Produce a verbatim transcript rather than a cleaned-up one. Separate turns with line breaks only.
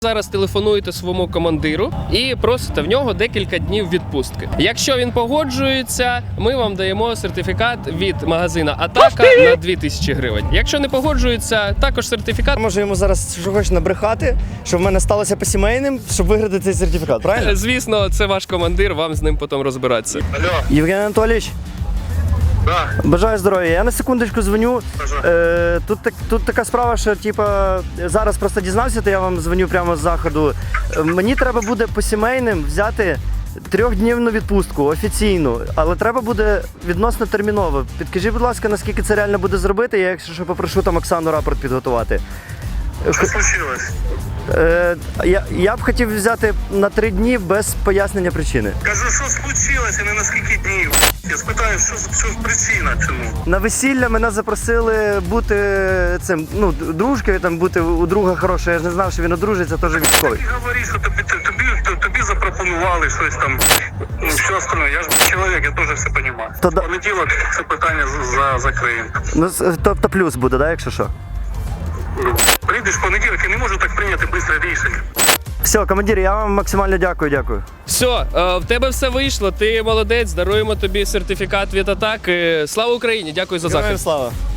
Зараз телефонуєте своєму командиру і просите в нього декілька днів відпустки. Якщо він погоджується, ми вам даємо сертифікат від магазина Атака на дві тисячі гривень. Якщо не погоджується, також сертифікат.
Можу йому зараз що хочеш набрехати, що в мене сталося по сімейним, щоб виграти цей сертифікат, правильно?
Звісно, це ваш командир, вам з ним потім розбиратися.
Алло,
Євген Анатолійович,
да,
бажаю здоров'я. Я на секундочку дзвоню. Е, тут, так, тут така справа, що типа, зараз просто дізнався, то я вам дзвоню прямо з заходу. Е, Мені треба буде по сімейним взяти трьохднівну відпустку офіційну, але треба буде відносно терміново. Підкажіть, будь ласка, наскільки це реально буде зробити, я якщо що попрошу там Оксану рапорт підготувати.
що случилось?
Е, я, я б хотів взяти на три дні без пояснення причини.
Кажу, що случилось і не на скільки днів. Я спитаю, що, що причина чому.
На весілля мене запросили бути цим, ну, дружкою, там бути у друга хорошого. Я ж не знав, що він одружиться, теж військовий.
Ти говориш, що тобі, тобі, тобі, тобі запропонували щось там, ну, що остальне. Я ж чоловік, я теж все розумію.
То
В
да-
понеділок це питання за, за, закриємо.
Ну, з- тобто плюс буде, да, якщо що?
Ну, прийдеш в понеділок, я не можу так прийняти швидке рішення.
Все, командир, я вам максимально дякую, дякую.
Все, е, в тебе все вийшло, ти молодець, даруємо тобі сертифікат від Атаки. Слава Україні, дякую за захист.
слава.